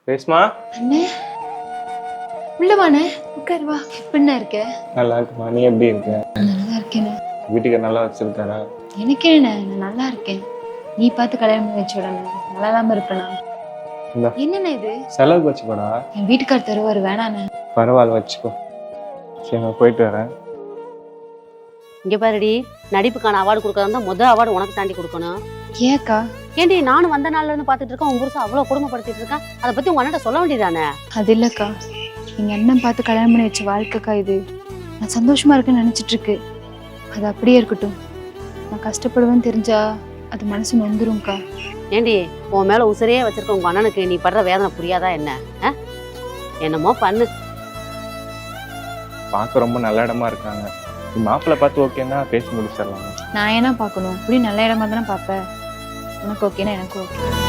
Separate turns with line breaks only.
ரேஷ்மா
அண்ணே உள்ளவானே உட்காரு வா. எப்படிண்ணா இருக்க?
நல்லா இருக்குமா, நீ எப்படி இருக்க?
நல்லா இருக்கேண்ணே.
வீட்டுக்கு நல்லா வச்சிருக்காரா?
எனக்கு என்ன, நான் நல்லா இருக்கேன். நீ பார்த்து கல்யாணம் பண்ணி வச்சு விடணும், நல்லா இல்லாம இருப்பேனா?
இந்தா
என்னண்ணே இது?
செலவுக்கு வச்சுக்கோடா.
என் வீட்டுக்கார் தருவாரு, வேணாண்ணே.
பரவாயில்ல வச்சுக்கோ. சரி நான் போயிட்டு வரேன்.
இங்கே பாருடி, நடிப்புக்கான அவார்டு கொடுக்கறதா முதல் அவார்டு உனக்கு தாண்டி கொடுக்கணும்.
ஏக்கா?
ஏண்டி நானும் வந்த நாள்ல இருந்து பார்த்துட்டு இருக்கேன், உங்க புருஷன் அவ்வளோ கொடுமைப்படுத்திட்டு இருக்கான். அதை பத்தி உங்க அண்ணன் சொல்ல வேண்டியதானே?
அது இல்லக்கா, எங்க அண்ணன் பார்த்து கல்யாணம் பண்ணி வச்ச வாழ்க்கைக்கா இது. நான் சந்தோஷமா இருக்குன்னு நினைச்சிட்டு இருக்கு. அது அப்படியே இருக்கட்டும். நான் கஷ்டப்படுவேன்னு தெரிஞ்சா அது மனசு நொந்துரும்க்கா.
ஏண்டி உன் மேல உசிரையே வச்சிருக்க உங்க அண்ணனுக்கு நீ படுற வேதனை புரியாதா என்ன? என்னமோ பண்ணு.
பார்க்க ரொம்ப நல்ல இடமா இருக்காங்க. நீ மாப்பிள்ளை பார்த்து ஓகேன்னா பேசி முடிச்சிடலாம்.
நான் ஏன்னா பார்க்கணும்? இப்படி நல்ல இடமா தானே பார்ப்பேன். உனக்கு ஓகேனா எனக்கு ஓகே.